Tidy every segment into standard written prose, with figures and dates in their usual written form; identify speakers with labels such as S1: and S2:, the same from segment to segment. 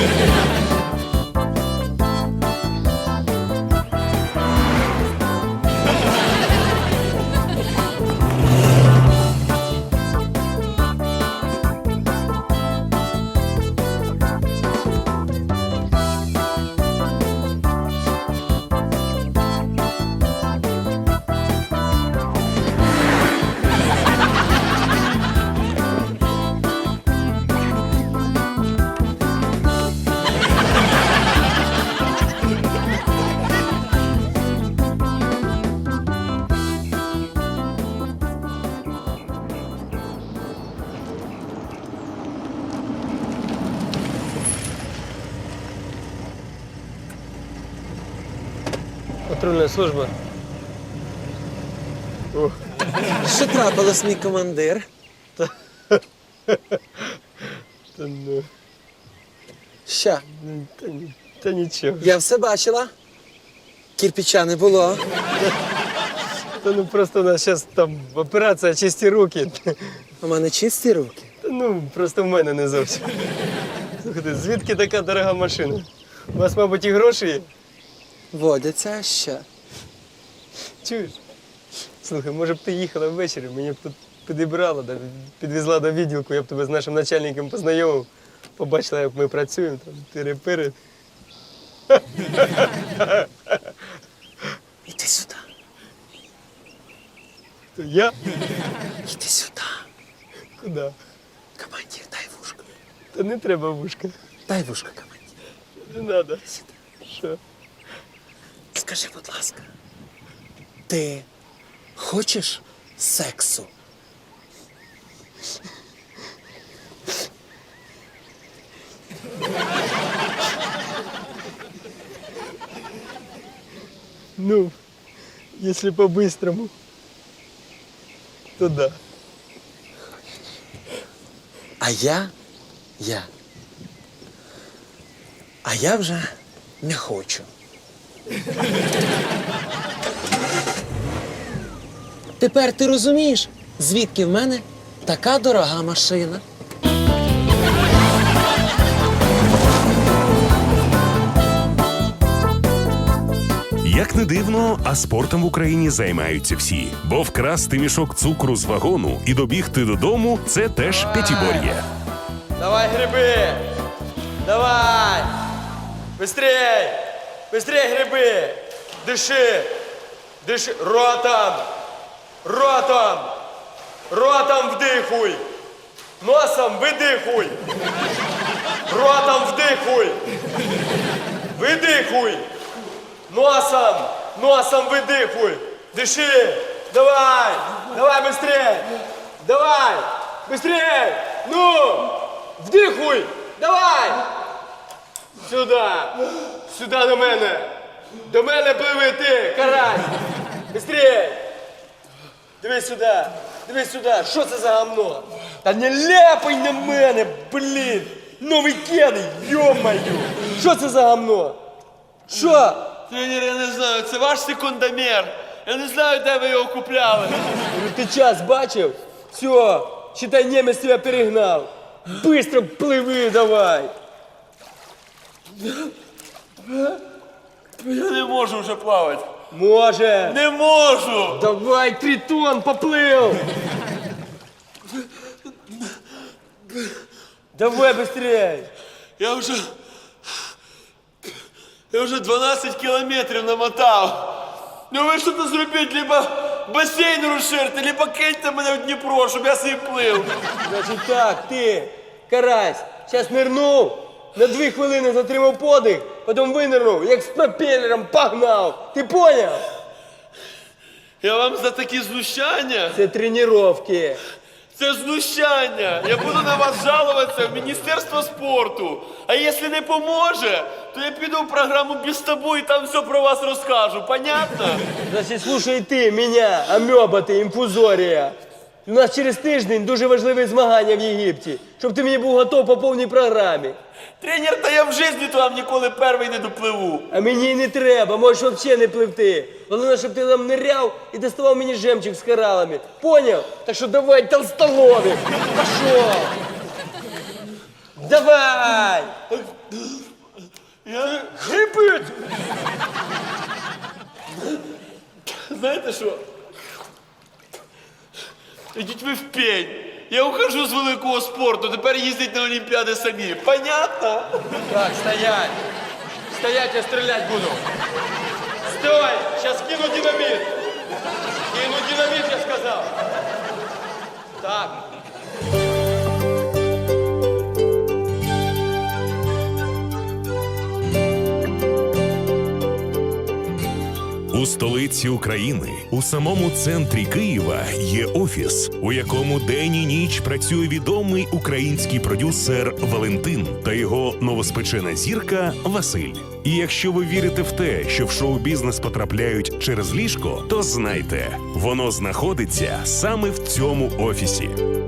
S1: Патрульна служба. О,
S2: Що трапилось, мій командир?
S1: та ну,
S2: Що?
S1: та нічого.
S2: Я все бачила. Кірпіча не було.
S1: Та ну просто у нас зараз там операція «Чисті руки».
S2: У мене чисті руки.
S1: Та ну, просто в мене не зовсім. Слухайте, звідки така дорога машина? У вас, мабуть, і гроші є?
S2: Водяться, а що?
S1: Чуєш? Слухай, може б ти їхала ввечері, мені б тут підібрала, да, підвезла до відділку, я б тебе з нашим начальником познайомив. Побачила, як ми працюємо, там тири-пири.
S2: Іди сюди.
S1: То я?
S2: Іди сюди.
S1: Куди?
S2: Командир, дай вушко.
S1: Та не треба вушка.
S2: Дай вушко, командир.
S1: Не треба. Що?
S2: Скажи, будь ласка, ти хочеш сексу?
S1: Ну, если по-быстрому, то да.
S2: А я вже не хочу. Тепер ти розумієш, звідки в мене така дорога машина?
S3: Як не дивно, а спортом в Україні займаються всі. Бо вкрасти мішок цукру з вагону і добігти додому – це теж п'ятибор'я.
S1: Давай, гриби! Давай! Быстрей! Быстрей, гриби! Дыши! Дыши! Ротом! Ротом! Ротом вдихуй! Носом видихуй! Ротом вдихуй! Видихуй! Носом! Носом видихуй! Дыши! Давай! Давай быстрей! Давай! Быстрей! Ну! Вдихуй! Давай! Сюда! Сюда до мене! До мене пливи ти, карась! Быстрей! Дивись сюди! Дивись сюди! Що це за гамно? Та не ляпай на мене, блін! Новий кеди, йо-маю! Що це за гамно? Що?
S4: Тренер, я не знаю, це ваш секундомер. Я не знаю, де ви його купляли.
S1: Ти час бачив? Все, считай, немець тебе перегнав. Быстро пливи давай.
S4: Я не можу вже плавати.
S1: Може.
S4: Не можу!
S1: Давай, Тритон, поплив. Давай быстрей.
S4: Я вже 12 кілометрів намотав. Ну ви що-то зробіть, либо басейн розширте, либо киньте мене в Дніпро, щоб я собі плив.
S1: Значить так, ти, карась, зараз нирнув, на 2 хвилини затримав подих, потім винирнув, як з пропелером погнав. Ти поняв?
S4: Я вам за такі знущання?
S1: Це тренування.
S4: Це знущання. Я буду на вас жалуватися в Міністерство спорту. А якщо не поможе, то я піду в програму «Без тобою» і там все про вас розкажу. Понятно?
S1: Значить, слушай ти мене, амеба ти, інфузорія. У нас через тиждень дуже важливі змагання в Єгипті, щоб ти мені був готов по повній програмі.
S4: Тренер, та я в житті то вам ніколи перший не допливу.
S1: А мені й не треба, можеш взагалі не пливти. Головне, щоб ти там ниряв і доставав мені жемчуг з коралами. Поняв? Так що давай, толстолобик, пошов. Давай!
S4: знаєте що? Ідіть ви в пень. Я ухожу з великого спорту, тепер їздять на Олімпіади самі. Понятно?
S1: Так, стоять! Стоять, я стрелять буду! Стой! Сейчас кину динамит! Кину динамит, я сказал! Так.
S3: У столиці України, у самому центрі Києва, є офіс, у якому день і ніч працює відомий український продюсер Валентин та його новоспечена зірка Василь. І якщо ви вірите в те, що в шоу-бізнес потрапляють через ліжко, то знайте, воно знаходиться саме в цьому офісі.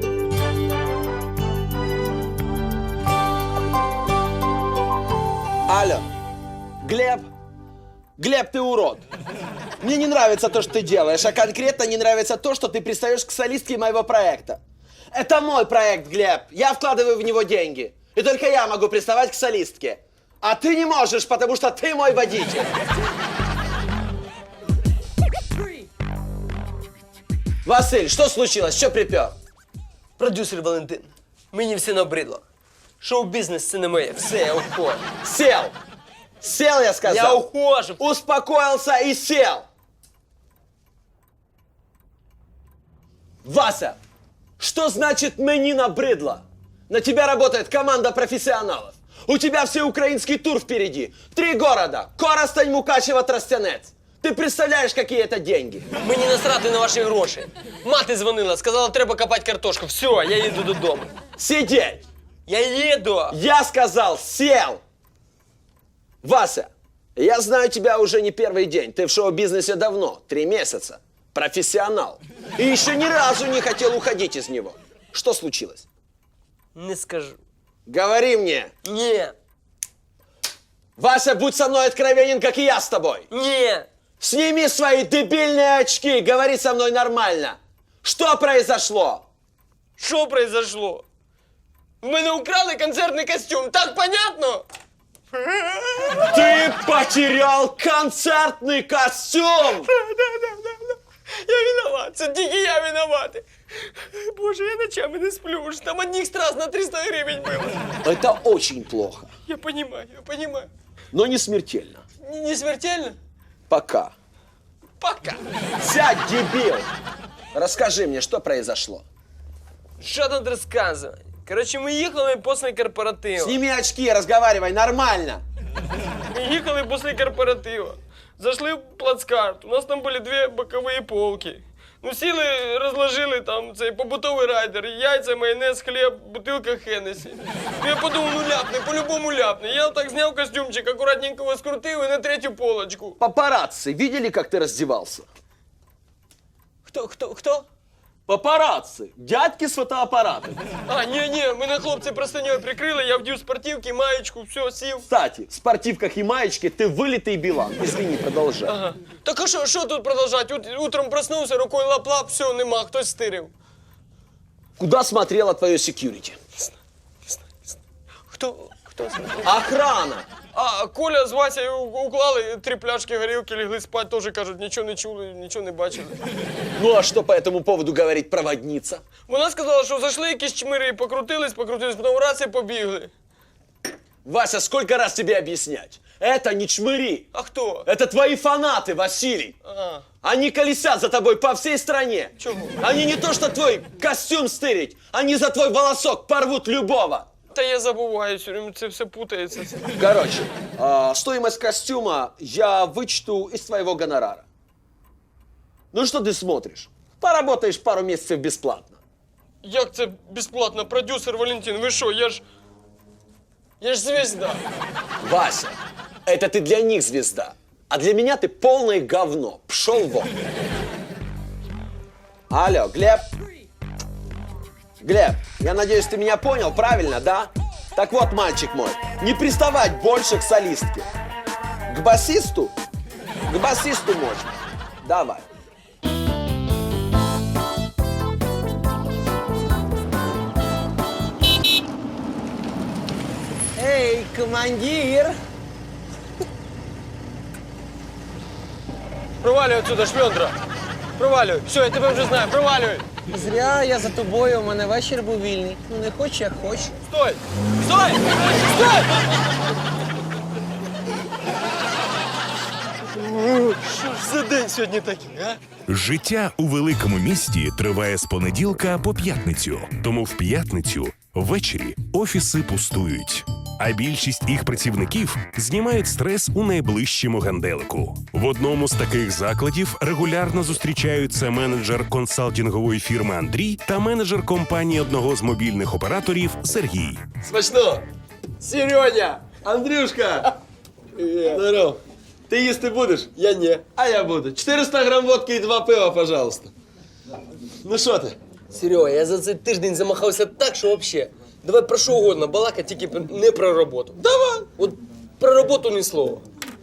S5: Алло, Глеб? Глеб, ты урод. Мне не нравится то, что ты делаешь, а конкретно не нравится то, что ты пристаешь к солистке моего проекта. Это мой проект, Глеб. Я вкладываю в него деньги. И только я могу приставать к солистке. А ты не можешь, потому что ты мой водитель. Василь, что случилось? Что припер?
S1: Продюсер Валентин, мені все набридло. Шоу-бізнес це не моє, все, я ухожу.
S5: Сел. Сел, я сказал.
S1: Я ухожу.
S5: Успокоился и сел. Вася, что значит «мені набридло»? На тебя работает команда профессионалов. У тебя всеукраинский тур впереди. 3 города. Коростень, Мукачево, Тростянець. Ты представляешь, какие это деньги?
S1: Мені насрати на ваші гроші. Мати дзвонила, сказала, треба копати картошку. Все, я їду додому.
S5: Сидеть.
S1: Я їду.
S5: Я сказал, сел. Вася, я знаю тебя уже не первый день. Ты в шоу-бизнесе давно, 3 месяца. Профессионал. И еще ни разу не хотел уходить из него. Что случилось?
S1: Не скажу.
S5: Говори мне.
S1: Ні.
S5: Вася, будь со мной откровенен, как и я с тобой.
S1: Ні.
S5: Сними свои дебильные очки, говори со мной нормально. Что произошло?
S1: Що произошло? В мене украли концертний костюм, так понятно?
S5: Ты потерял концертный костюм!
S1: Я виноват, це тільки я виноватий. Боже, я ночами не сплю, ж там одних страз на 300 гривень було.
S5: Это очень плохо,
S1: Я понимаю.
S5: но не смертельно.
S1: Не смертельно?
S5: Пока.
S1: Пока.
S5: Сядь, дебил! Расскажи мне, что произошло?
S1: Що тут розказувати? Коротше, ми їхали після корпоративу.
S5: Сними очки, разговаривай нормально.
S1: Ми їхали після корпоративу. Зайшли в плацкарт. У нас там були 2 бокові полки. Ну, сіли, розложили там цей побутовий райдер, яйця, майонез, хліб, бутилка Хеннесі. Ну, я подумав, ну ляпне, по-любому ляпне. Я так зняв костюмчик, акуратненько його скрутив і на 3-ю полочку.
S5: Папарацци видели, как ты раздевался?
S1: Хто?
S5: Папарацци, дядьки с фотоаппаратами.
S1: А, ні, мене хлопці простиньою прикрили, я вдів спортивки, маєчку, все, сів.
S5: Кстати, в спортивках и маечке ты вылитый Билан. Извини, продолжай.
S1: Ага. Так а що тут продовжати? Утром проснувся, рукою лап-лап, все, нема, хтось стирив.
S5: Куда смотрело твое секьюрити?
S1: Хто смотрив?
S5: Охрана!
S1: А, Коля з Васею уклали 3 пляшки горілки, лягли спать, теж кажуть, нічого не чули, нічого не бачили.
S5: Ну а что по этому поводу говорит проводница?
S1: Вона сказала, що зайшли якісь чмири, покрутились, потім раз і побігли.
S5: Вася, сколько раз тебе объяснять? Это не чмыри.
S1: А хто?
S5: Это твои фанаты, Василий.
S1: А,
S5: Они колесят за тобой по всей стране.
S1: чого?
S5: Они не то что твой костюм стырить, они за твой волосок порвут любого.
S1: Та я забуваю, все время це все путається.
S5: Короче, стоимость костюма я вычту из твоего гонорара. Ну что ты смотришь? Поработаешь пару месяцев бесплатно.
S1: Як це безплатно? Продюсер Валентин, ви що, я ж звезда.
S5: Вася, это ты для них звезда, а для меня ты полное говно. Пшел вон. Алло, Глеб? Глеб, я надеюсь, ты меня понял, правильно, да? Так вот, мальчик мой, не приставать больше к солистке. К басисту? К басисту можно. Давай. Эй, командир!
S1: Провалюй отсюда, шльондра. Провалюй. Все, я тебе вже знаю, провалюй.
S2: Зря я за тобою, у мене вечір був вільний. Ну не хоч, як хоч.
S1: Стой! Стой! Стой! Що ж за день сьогодні такий, а?
S3: Життя у великому місті триває з понеділка по п'ятницю. Тому в п'ятницю ввечері офіси пустують. А більшість їх працівників знімають стрес у найближчому ганделику. В одному з таких закладів регулярно зустрічаються менеджер консалтингової фірми Андрій та менеджер компанії одного з мобільних операторів Сергій.
S1: Смачно! Сереня! Андрюшка!
S5: Здорово. Ти їсти будеш?
S1: Я не.
S5: А я буду. 400 грам водки і 2 пива, пожалуйста. Ну що ти?
S1: Серега, я за цей тиждень замахався так, що вообще. Давай про що угодно балакати, тільки не про роботу.
S5: Давай.
S1: От про роботу ні слова.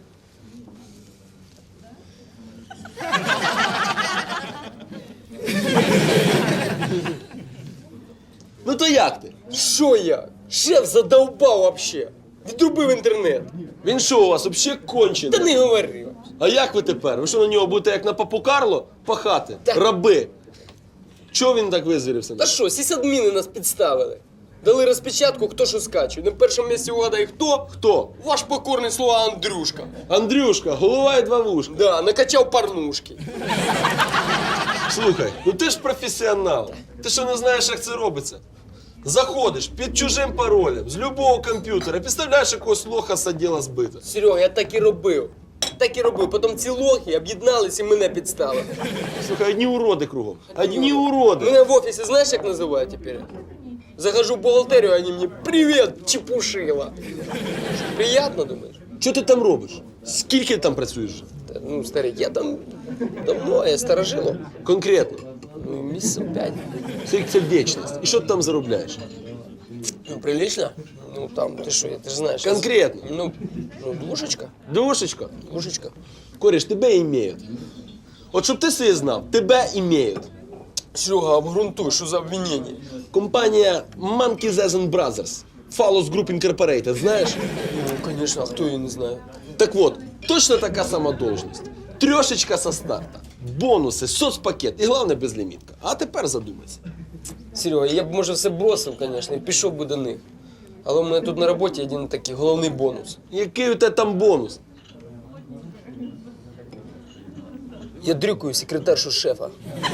S5: Ну то як ти?
S1: Що я? Шеф задовбав вообще. Відрубив інтернет.
S5: Він що у вас, взагалі кончений?
S1: Та не говори.
S5: А як ви тепер? Ви що на нього будете як на папу Карло пахати?
S1: Так.
S5: Раби. Чого він так визвірився?
S1: Та що, сисадміни нас підставили. Дали розпечатку, хто що скачує. На першому місці угадай хто?
S5: Хто?
S1: Ваш покорний слуга Андрюшка.
S5: Андрюшка, голова і 2 вушка.
S1: Да, накачав порнушки.
S5: Слухай, ну ти ж професіонал. Ти що не знаєш, як це робиться? Заходиш під чужим паролем з любого комп'ютера, підставляєш якогось лоха з відділу збита.
S1: Серега, я так і робив. Так і робив. Потім ці лохи об'єднались і мене підставили.
S5: Слухай, одні уроди кругом. Одні уроди.
S1: Мене в офісі знаєш, як називають тепер? Захожу в бухгалтерію, а вони мені «Привіт, чепушила». Що, приємно, думаєш?
S5: Що ти там робиш? Скільки ти там працюєш?
S1: Та, ну, старик, я там давно, я старожило.
S5: Конкретно.
S1: Ну, місяців 5.
S5: Це вічність. І що ти там заробляєш?
S1: Ну, прилично? Ну, там, ти що, ти ж знаєш.
S5: Конкретно.
S1: Ну, двушечка.
S5: Душечка.
S1: Двушечка.
S5: Кореш, тебе імеють. От щоб ти собі знав, тебе імеють.
S1: Серега, обґрунтуй, що за обвинення?
S5: Компанія Monkeys and Brothers. Fallos Group Incorporated, знаєш?
S1: Ну, звісно, а хто її не знає?
S5: Так вот, точно така сама должность. Трьошечка со старта. Бонуси, соцпакет і головне безлімітка. А тепер задумайся.
S1: Серега, я б, може, все бросив, звісно, і пішов би до них. Але у мене тут на роботі один такий головний бонус.
S5: Який у тебе там бонус?
S1: Я дрюкаю секретаршу шефа.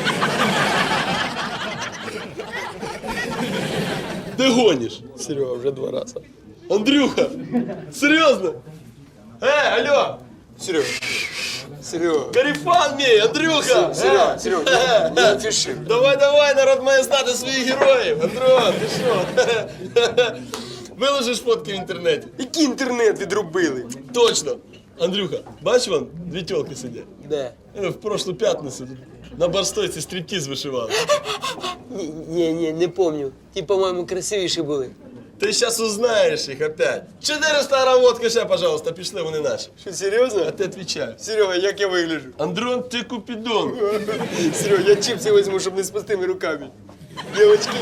S5: Ти гониш?
S1: Серега, вже 2 рази.
S5: Андрюха, серйозно? Алло,
S1: Серега. Серега.
S5: Карифан мій, Андрюха!
S1: Серега, Серега, не афіши.
S5: Давай, народ має знати своїх героїв. Андрюха, ти що? Виложиш фотки в інтернеті.
S1: Який інтернет відрубили?
S5: Точно. Андрюха, бач вон, 2 тілки сидять.
S1: Де?
S5: В прошлу п'ятницю на барстойці стриптиз вишивали.
S1: Ні, не помню. Ті, по-моєму, красивіші були.
S5: Ти зараз узнаєш їх опять. 400 грам водки ще, пожалуйста, пішли, вони наші.
S1: Що, серйозно?
S5: А ти відповідаю.
S1: Серега, як я вигляджу?
S5: Андрон, ти купідон.
S1: Серега, я чипси візьму, щоб не з пустими руками. Дівочки.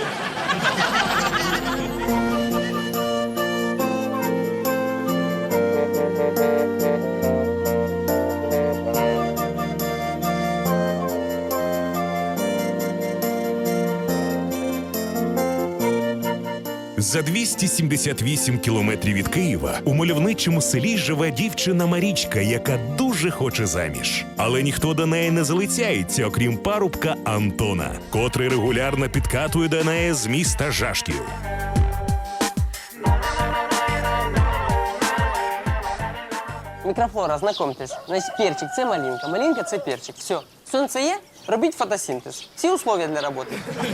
S3: За 278 кілометрів від Києва у мальовничому селі живе дівчина Марічка, яка дуже хоче заміж. Але ніхто до неї не залицяється, окрім парубка Антона, котрий регулярно підкатує до неї з міста Жашків.
S6: Мікрофлора, знайомтесь. Значить, перчик – це малинка, малинка – це перчик. Все. Сонце є, робіть фотосинтез. Всі умови для роботи.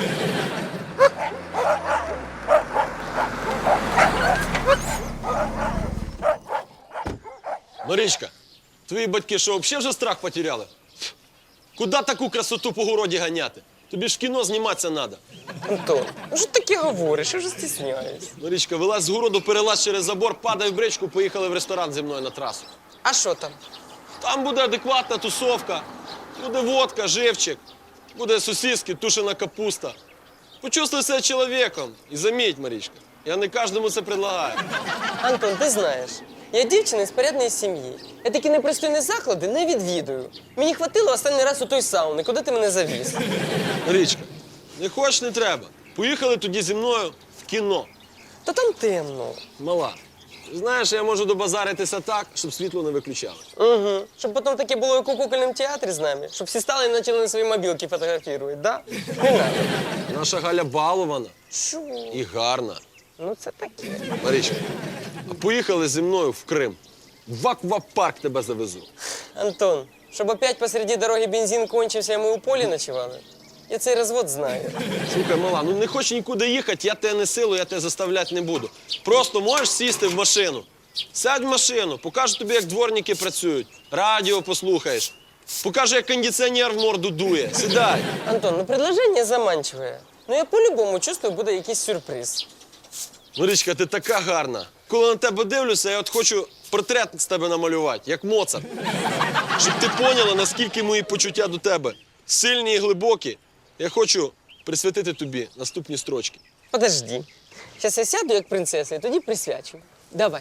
S5: Марічка, твої батьки що, взагалі вже страх потеряли? Куди таку красоту по городі ганяти? Тобі ж в кіно зніматися треба.
S6: Антон, ну що таке говориш? Я вже стісняюсь.
S5: Марічка, вилазь з городу, перелазь через забор, падай в бричку, поїхали в ресторан зі мною на трасу.
S6: А що там?
S5: Там буде адекватна тусовка, буде водка, живчик, буде сосиски, тушена капуста. Почувствуй себе чоловіком. І заміть, Марічка, я не кожному це предлагаю.
S6: Антон, ти знаєш, Я дівчина з порядної сім'ї. Я такі непристойні заклади не відвідую. Мені хватило останній раз у той сауни, куди ти мене завіз.
S5: Річка, не хочеш, не треба. Поїхали тоді зі мною в кіно.
S6: Та там темно.
S5: Мала, знаєш, я можу добазаритися так, щоб світло не виключали.
S6: Угу. Щоб потім таке було як у кукольному театрі з нами. Щоб всі стали і почали на свої мобілки фотографувати, да? Не надо.
S5: Наша Галя балована
S6: Що?
S5: і гарна.
S6: Ну це таке.
S5: Марічка, а поїхали зі мною в Крим. В аквапарк тебе завезу.
S6: Антон, щоб опять посреди дороги бензин кончився, і ми у полі ночували. Я цей розвод знаю.
S5: Слухай, мала, ну не хочеш нікуди їхати, я тебе не силу, я тебе заставляти не буду. Просто можеш сісти в машину. Сядь в машину, покажу тобі, як дворники працюють. Радіо послухаєш. Покажу, як кондиціонер в морду дує. Сідай.
S6: Антон, ну предложение заманчивое. Ну я по-любому чувствую, буде якийсь сюрприз.
S5: Марічка, ти така гарна. Коли на тебе дивлюся, я от хочу портрет з тебе намалювати, як Моцарт. Щоб ти поняла, наскільки мої почуття до тебе сильні і глибокі. Я хочу присвятити тобі наступні строчки.
S6: Подожди. Зараз я сяду як принцеса і тоді присвячу. Давай.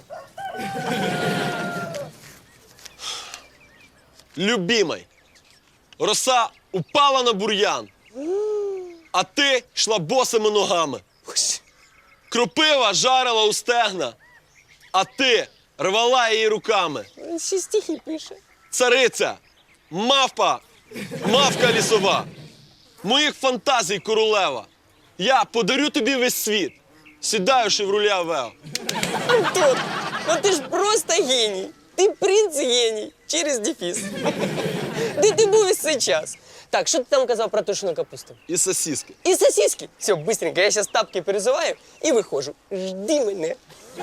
S5: Любімай, роса упала на бур'ян, а ти йшла босими ногами. Кропива жарила у стегна, а ти рвала її руками.
S6: Він ще стихи пише.
S5: Цариця, мавпа, мавка лісова, моїх фантазій королева. Я подарю тобі весь світ, сідаю шевроле Авео.
S6: Антон, ну ти ж просто геній. Ти принц геній. Через дефіс. Де ти був весь цей час? Так, що ти там казав про тушену капусту?
S5: І сосиски.
S6: І сосиски. Все, быстренько, я зараз тапки перезуваю і виходжу. Жди мене.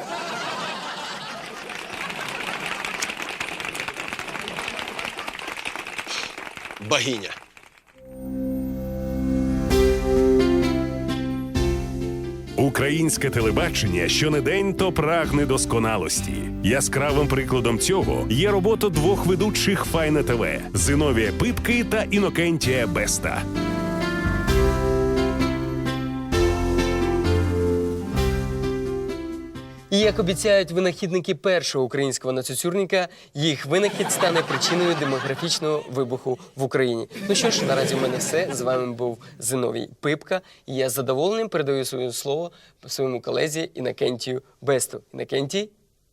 S5: Богиня.
S3: Українське телебачення щонедень то прагне досконалості. Яскравим прикладом цього є робота двох ведучих Файна ТВ – Зиновія Пипки та Інокентія Беста.
S6: І як обіцяють винахідники першого українського нацюцюрника, їх винахід стане причиною демографічного вибуху в Україні. Ну що ж, наразі в мене все. З вами був Зиновій Пипка. І я з задоволенням передаю своє слово своєму колезі Інокентію Бесту. Інокентій?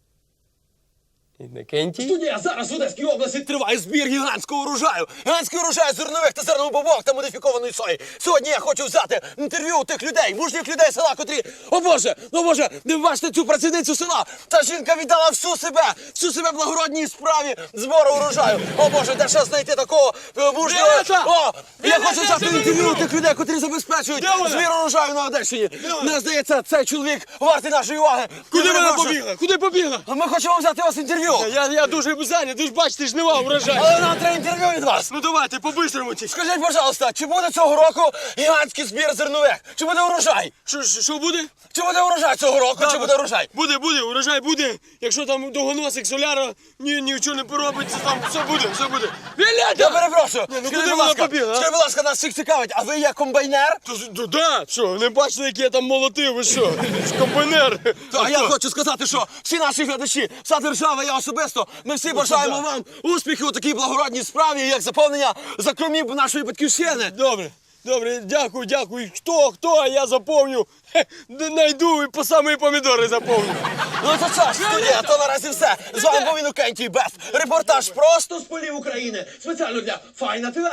S6: Інокентій?
S5: Студія зараз в Одеській області триває збір гігантського урожаю. Гігантський урожай зернових та зернобобових та модифікованої сої. Сьогодні я хочу взяти інтерв'ю у тих людей, мужніх людей села, котрі... О Боже, ви бачите цю працівницю села. Та жінка віддала всю себе благородній справі збору урожаю. О Боже, де ще знайти такого мужнього... О, я хочу взяти інтерв'ю у тих людей, котрі забезпечують збір урожаю на Одещині. Мені здається, цей чоловік вартий нашої уваги.
S1: Куди вона побігла? Куди побігла?
S5: Ми хочемо взяти у вас інтерв'ю.
S1: Я дуже зайнятий, ти ж бачите, жнива урожай.
S5: Але нам треба інтерв'ю від вас.
S1: Ну давайте, по-бистрому ті.
S5: Скажіть, пожалуйста, чи буде цього року гігантський збір зернових? Чи буде урожай?
S1: Що буде?
S5: Чи буде урожай цього року? Чи буде урожай?
S1: Буде, урожай буде. Якщо там довгоносик соляра нічого не поробиться, там все буде.
S5: Я перепрошую.
S1: ну куди
S5: Скажіть,
S1: вона побігла, а?
S5: скажіть, будь ласка, нас всіх цікавить, а ви є комбайнер?
S1: Да, що, не бачили, як я там молотив, ви що? Комбайнер.
S5: А я хочу сказати, що всі наші глядачі, вся держава, я особисто, ми всі бажаємо вам успіхів у такій благородній справі, як заповнення закромів нашої батьківщини.
S1: Добре, дякую. Хто, а я заповню. Найду і по самі помідори заповню.
S5: Ну то що ж, студія, то наразі все. З вами був Інокентій Бест. Репортаж просто з полів України. Спеціально для Файна ТВ.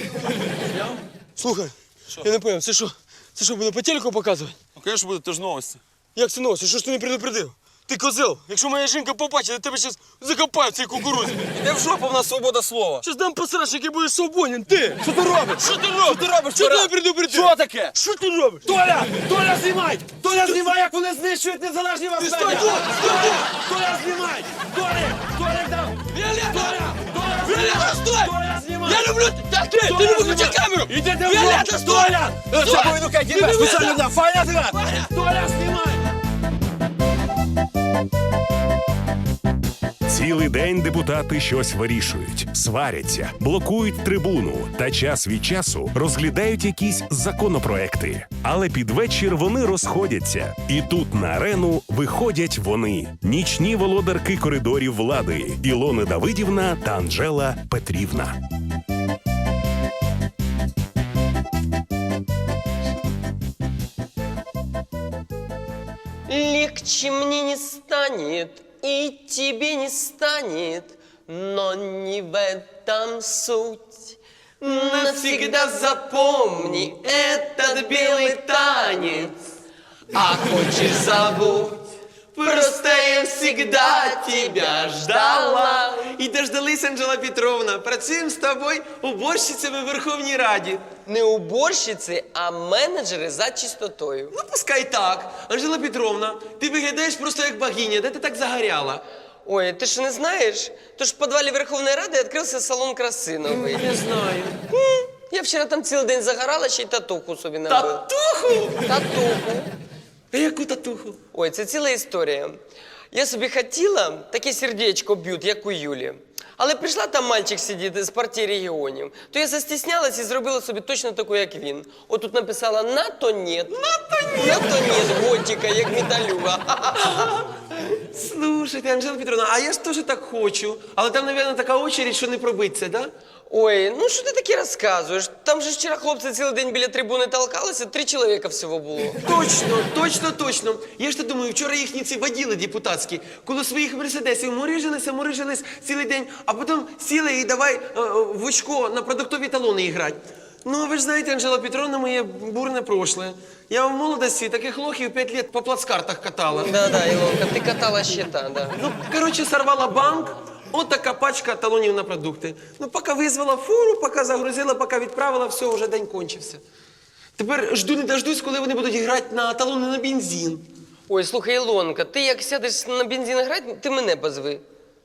S1: Слухай, я не поняв, це що, буде по телеку показувати?
S4: Ну, звісно, буде, це ж новості.
S1: Як це новості? Що ж ти не предупредив? Ти козел, якщо моя жінка побачить, тебе зараз закопають в цій кукурудзі.
S5: Іде в жопу, в нас свобода слова.
S1: Щас дам посраш, який буде свободен, ти!
S5: Що ти робиш?
S1: Що ти робиш? Що ти не предупредив?
S5: Що таке?
S1: Що ти робиш?
S5: Толя, знімай! Толя, знімай, як вони знищують незалежні вас медіа!
S1: Стой!
S5: Толя, знімай! Толя, дам!
S1: Віолетта, стой!
S5: Толя, знімай!
S1: Я люблю... Так ти не виключай камеру!
S5: Ідете в
S1: Віолетта, стой!
S5: Це був Інокентій Бест, спеціально для Файна ТВ! Толя, знімай!
S3: Цілий день депутати щось вирішують, сваряться, блокують трибуну та час від часу розглядають якісь законопроекти. Але під вечір вони розходяться. І тут на арену виходять вони – нічні володарки коридорів влади Ілона Давидівна та Анжела Петрівна.
S6: Легче мне не станет, и тебе не станет, но не в этом суть. Навсегда запомни этот белый танец, а хочешь забудь. Просто я всегда тебя ждала.
S7: І дождались, Анжела Петровна. Працюємо з тобою уборщицями в Верховній Раді.
S6: Не уборщиці, а менеджери за чистотою.
S7: Ну, пускай так. Анжела Петровна, ти виглядаєш просто як богиня. Де ти так загоряла?
S6: Ой, ты что, не знаешь? То ж в подвале Верховной Рады открылся салон красы новый.
S7: Не знаю.
S6: Я вчера там целый день загорала, ще й татуху собі набила.
S7: Татуху?
S6: Татуху.
S7: А яку татуху?
S6: Ой, це ціла історія. Я собі хотіла таке сердечко б'ють, як у Юлі. Але прийшла там мальчик сидіти з партії регіонів, то я застіснялась і зробила собі точно таку, як він. Отут написала «НАТО нет». НАТО нет. НАТО нет, готика, як металюга.
S7: Слушайте, Анжела Петровна, а я ж теж так хочу. Але там, мабуть, така очередь, що не пробиться, да?
S6: Ой, ну що ти таке розказуєш? Там же вчора хлопці цілий день біля трибуни толкалися, 3 чоловіка всього було.
S7: Точно. Я ж то думаю, вчора їхні ці воділи депутатські, коло своїх мерседесів мурижились цілий день, а потім сіли і давай в очко на продуктові талони грати. Ну, ви ж знаєте, Анжела Петровна, моє бурне прошлое. Я в молодості таких лохів 5 років по плацкартах катала.
S6: Да, Ілонка, ти катала щита, да.
S7: Ну, коротше, сорвала банк, от така пачка талонів на продукти. Ну, поки визвала фуру, поки загрузила, поки відправила, все, вже день кончився. Тепер жду не дождусь, коли вони будуть грати на талони на бензин.
S6: Ой, слухай, Ілонка, ти як сядеш на бензин грати, ти мене позви.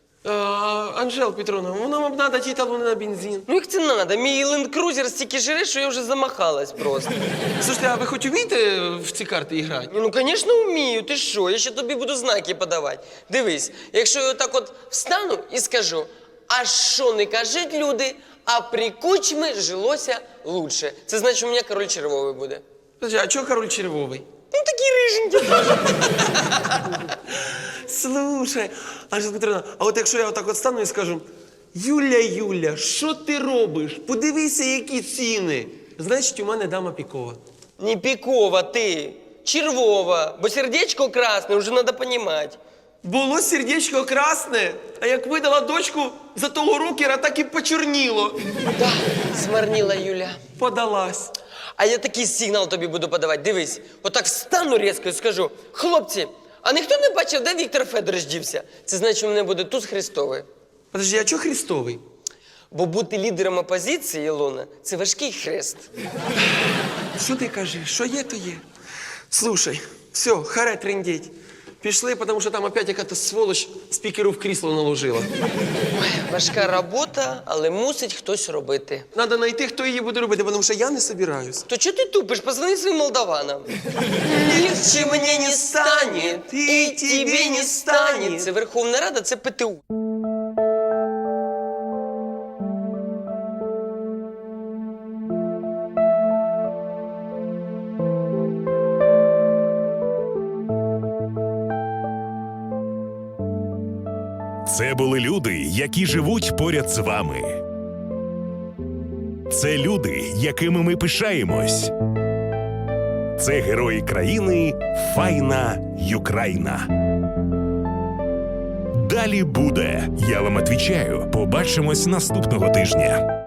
S7: Анжела Петровна, воно б треба ті талони на бензин.
S6: Ну як це надо? Мій ленд-крузер стільки жире, що я вже замахалась просто.
S7: Слушайте, а ви хоч вмієте в ці карти грати?
S6: Ну, звісно, вмію. Ти що? Я ще тобі буду знаки подавати. Дивись, якщо я отак от встану і скажу, а що не кажуть люди, а при кучмі жилося лучше. Це значить, у мене король червовий буде.
S7: Подожди, а чого король червовий?
S6: Ну, такий риженький.
S7: Слушай, Анжела Петровна, а от якщо я отак от стану і скажу, Юля, що ти робиш? Подивися, які ціни. Значить, у мене дама пікова.
S6: Не пікова ти, червова, бо сердечко красне, вже треба розуміти.
S7: Було сердечко красне, а як видала дочку за того рокера, так і почорніло.
S6: Да, змарніла Юля.
S7: Подалась.
S6: А я такий сигнал тобі буду подавати. Дивись, отак встану різко і скажу, хлопці, а ніхто не бачив, де Віктор Федорович дівся? Це значить, у мене буде туз Христовий.
S7: Подожди, а чого Христовий?
S6: Бо бути лідером опозиції, Ілона, це важкий хрест.
S7: Що ти кажеш? Що є, то є. Слушай, все, харе трындеть. Пішли, тому що там опять якась сволоч спікеру в крісло наложила.
S6: Важка робота, але мусить хтось робити.
S7: Надо знайти, хто її буде робити, тому що я не собираюсь.
S6: То чого ти тупиш? Позвони своїм молдаванам. Легче мені не стане, і тебе не стане. Це Верховна Рада, це ПТУ.
S3: Це були люди, які живуть поряд з вами. Це люди, якими ми пишаємось. Це герої країни Файна Юкраїна. Далі буде. Я вам відповідаю. Побачимось наступного тижня.